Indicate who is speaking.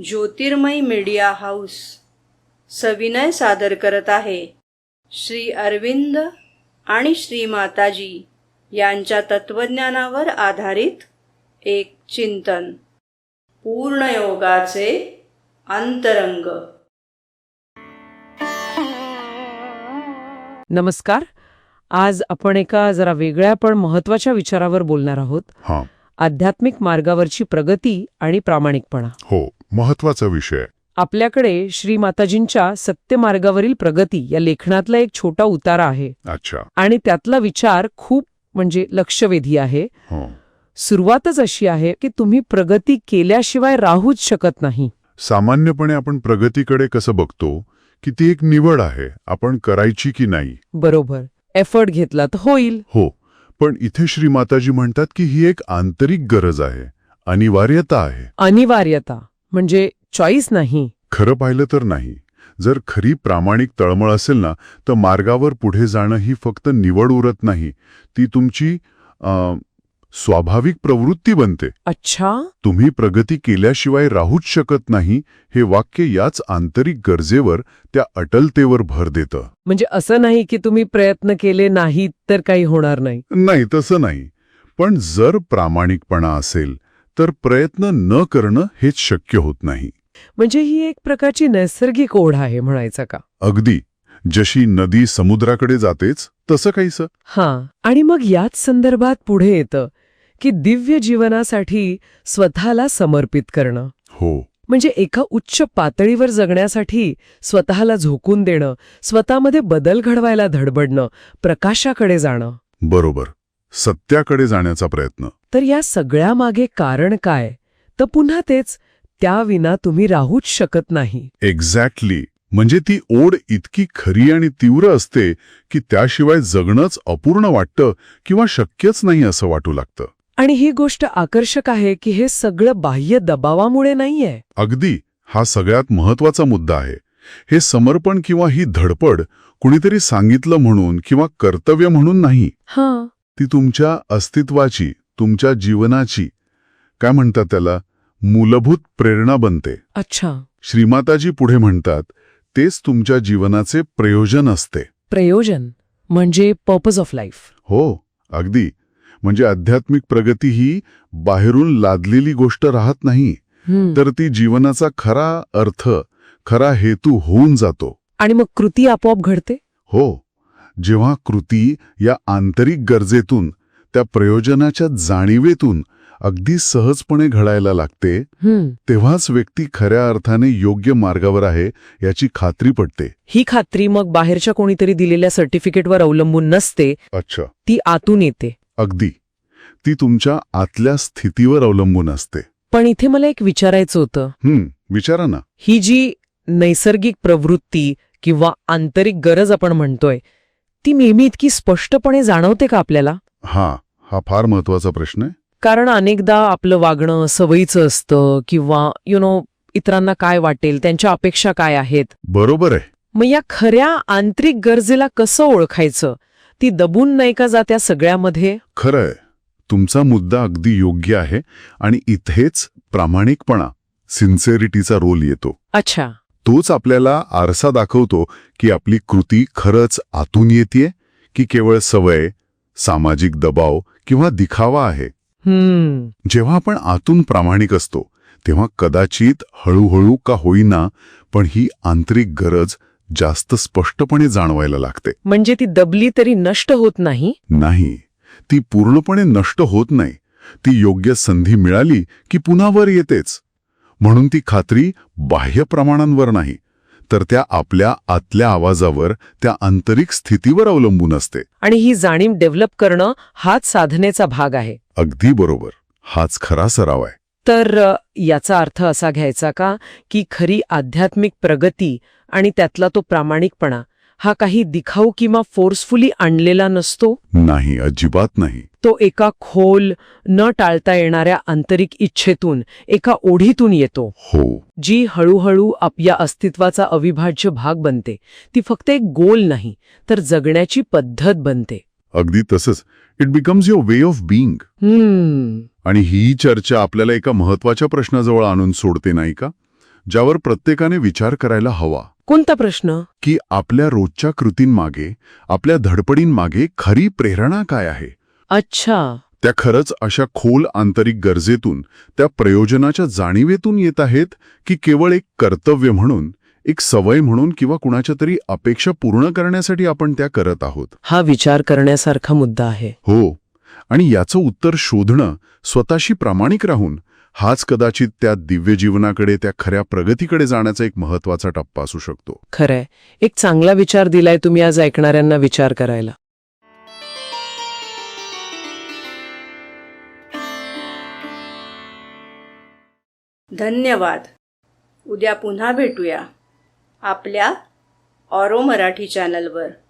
Speaker 1: ज्योतिर्मय media house सविनय सादर करत आहे श्री अरविंद आणि श्री माताजी यांच्या तत्वज्ञानावर आधारित एक चिंतन, पूर्णयोगाचे अंतरंग.
Speaker 2: नमस्कार. आज आपण एका जरा वेगळ्या पण महत्वाच्या विचारावर बोलणार आहोत. आध्यात्मिक मार्गावरची प्रगती आणि प्रामाणिकपणा.
Speaker 3: हो, महत्वाचा विषय.
Speaker 2: आपल्याकडे श्री माताजींच्या सत्य मार्गावरील प्रगती या लेखनातला एक छोटा उतारा आहे.
Speaker 3: अच्छा.
Speaker 2: आणि त्यातला विचार खूप लक्षवेधी आहे. सुरुवातच अशी आहे की तुम्ही प्रगती केल्याशिवाय राहूच शकत नाही.
Speaker 3: सामान्यपणे आपण प्रगतीकडे कसं बघतो की ती एक निवड आहे, आपण करायची की नाही.
Speaker 2: बरोबर, एफर्ट घेतला तर होईल.
Speaker 3: हो, पण इथे श्री माताजी म्हणतात की ही एक आंतरिक गरज आहे, अनिवार्यता आहे.
Speaker 2: अनिवार्यता म्हणजे चॉईस नाही.
Speaker 3: खरं पाहिलं तर नाही. जर खरी प्रामाणिक तळमळ असेल ना, तर मार्गावर पुढे जाणं ही फक्त निवड उरत नाही, ती तुमची स्वाभाविक प्रवृत्ती बनते.
Speaker 2: अच्छा.
Speaker 3: तुम्ही प्रगती केल्याशिवाय राहूच शकत नाही हे वाक्य याच आंतरिक गरजेवर, त्या अटलतेवर भर देतं.
Speaker 2: म्हणजे असं नाही की तुम्ही प्रयत्न केले नाहीत तर काही होणार नाही.
Speaker 3: नाही, तसं नाही. पण जर प्रामाणिकपणा असेल तर प्रयत्न न करणं हेच शक्य होत नाही.
Speaker 2: म्हणजे ही एक प्रकारची नैसर्गिक ओढ आहे म्हणायचं का?
Speaker 3: अगदी. जशी नदी समुद्राकडे जातेच तसं काहीसं.
Speaker 2: हां. आणि मग याच संदर्भात पुढे येतं की दिव्य जीवनासाठी स्वतःला समर्पित करणं.
Speaker 3: हो.
Speaker 2: म्हणजे एका उच्च पातळीवर जगण्यासाठी स्वतःला झोकून देणं, स्वतःमध्ये बदल घडवायला धडपडणं, प्रकाशाकडे जाणं.
Speaker 3: बरोबर, सत्याकडे जाण्याचा प्रयत्न.
Speaker 2: तर या सगळ्यामागे कारण काय? तर पुन्हा तेच, त्याविना तुम्ही राहूच शकत नाही.
Speaker 3: एक्झॅक्टली. म्हणजे ती ओढ इतकी खरी आणि तीव्र असते की त्याशिवाय जगणंच अपूर्ण वाटतं किंवा शक्यच नाही असं वाटू लागतं.
Speaker 2: आणि ही गोष्ट आकर्षक आहे की हे सगळं बाह्य दबावामुळे नाहीये.
Speaker 3: अगदी. हा सगळ्यात महत्वाचा मुद्दा आहे. हे समर्पण किंवा ही धडपड कुणीतरी सांगितलं म्हणून किंवा कर्तव्य म्हणून नाही.
Speaker 2: हां.
Speaker 3: ती तुमच्या अस्तित्वाची, तुमच्या जीवनाची, काय म्हणतात त्याला, मूलभूत प्रेरणा बनते.
Speaker 2: अच्छा.
Speaker 3: श्रीमाताजी पुढे म्हणतात, तेच तुमच्या जीवनाचे प्रयोजन असते.
Speaker 2: प्रयोजन म्हणजे पर्पज ऑफ लाईफ.
Speaker 3: हो, अगदी. म्हणजे आध्यात्मिक प्रगती ही बाहेरून लादलेली गोष्ट राहत नाही, तर ती जीवनाचा खरा अर्थ, खरा हेतू होऊन जातो.
Speaker 2: आणि मग कृती आपोआप घडते.
Speaker 3: हो. जेव्हा कृती या आंतरिक गरजेतून, त्या प्रयोजनाच्या जाणीवेतून अगदी सहजपणे घडायला लागते, तेव्हाच व्यक्ती खऱ्या अर्थाने योग्य मार्गावर आहे याची खात्री पडते.
Speaker 2: ही खात्री मग बाहेरच्या कोणीतरी दिलेल्या सर्टिफिकेटवर अवलंबून नसते.
Speaker 3: अच्छा.
Speaker 2: ती आतून येते.
Speaker 3: अगदी. ती तुमच्या आतल्या स्थितीवर अवलंबून असते.
Speaker 2: पण इथे मला एक विचारायचं होतं.
Speaker 3: विचारा ना.
Speaker 2: ही जी नैसर्गिक प्रवृत्ती किंवा आंतरिक गरज आपण म्हणतोय, ती नेहमी इतकी स्पष्टपणे जाणवते का आपल्याला?
Speaker 3: हा फार महत्वाचा प्रश्न आहे.
Speaker 2: कारण अनेकदा आपलं वागणं सवयीचं असतं किंवा इतरांना काय वाटेल, त्यांच्या अपेक्षा काय आहेत.
Speaker 3: बरोबर आहे.
Speaker 2: मग या खऱ्या आंतरिक गरजेला कसं ओळखायचं? ती दबून नाही का जात्या सगळ्यामध्ये?
Speaker 3: खरंय. तुमचा मुद्दा अगदी योग्य आहे आणि इथेच प्रामाणिकपणा, सिन्सेरिटीचा रोल येतो.
Speaker 2: अच्छा.
Speaker 3: तोच आपल्याला आरसा दाखवतो की आपली कृती खरंच आतून येतेय की केवळ सवय, सामाजिक दबाव किंवा दिखावा आहे. जेव्हा आपण आतून प्रामाणिक असतो तेव्हा कदाचित हळूहळू का होईना पण ही आंतरिक गरज जास्त स्पष्टपणे जाणवायला लागते.
Speaker 2: म्हणजे ती दबली तरी नष्ट होत नाही?
Speaker 3: नाही, ती पूर्णपणे नष्ट होत नाही. ती योग्य संधी मिळाली की पुन्हा वर येतेच. म्हणून ती खात्री बाह्य प्रमाणांवर नाही, तर त्या आपल्या आतल्या आवाजावर, त्या आंतरिक स्थितीवर अवलंबून असते.
Speaker 2: आणि ही जाणीव डेव्हलप करणं हाच साधनेचा भाग आहे.
Speaker 3: अगदी बरोबर. हाच खरा सराव आहे.
Speaker 2: तर याचा अर्थ असा घ्यायचा का की खरी आध्यात्मिक प्रगती आणि त्यातला तो प्रामाणिकपणा हा काही दिखाऊ किंवा फोर्सफुली आणलेला नसतो?
Speaker 3: नाही, अजिबात नाही.
Speaker 2: तो एका खोल, न टाळता येणाऱ्या आंतरिक इच्छेतून, एका ओढीतून येतो.
Speaker 3: हो. जी
Speaker 2: हळूहळू आपल्या अस्तित्वाचा अविभाज्य भाग बनते. ती फक्त एक गोल नाही, तर जगण्याची पद्धत बनते.
Speaker 3: अगदी तसंच. It becomes your way of being. आणि ही चर्चा आपल्याला एका महत्वाच्या प्रश्नाजवळ आणून सोडते, नाही का? ज्यावर प्रत्येकाने विचार करायला हवा,
Speaker 2: कोणता प्रश्न?
Speaker 3: की आपल्या रोजच्या कृतींमागे, आपल्या धडपडींमागे खरी प्रेरणा काय आहे?
Speaker 2: अच्छा.
Speaker 3: त्या खरंच अशा खोल आंतरिक गरजेतून, त्या प्रयोजनाच्या जाणीवेतून येत आहेत, की केवळ एक कर्तव्य म्हणून, एक सवय म्हणून किंवा कुणाच्या तरी अपेक्षा पूर्ण करण्यासाठी आपण त्या करत आहोत?
Speaker 2: हा विचार करण्यासारखा मुद्दा आहे.
Speaker 3: हो, आणि याचं उत्तर शोधणं स्वतःशी प्रामाणिक राहून, हाच कदाचित त्या दिव्य जीवनाकडे, त्या खऱ्या प्रगतीकडे जाण्याचा एक महत्वाचा टप्पा असू शकतो.
Speaker 2: खरंय. एक चांगला विचार दिलाय तुम्ही आज ऐकणाऱ्यांना विचार करायला.
Speaker 1: धन्यवाद. उद्या पुन्हा भेटूया आपल्या ऑरो मराठी चॅनलवर.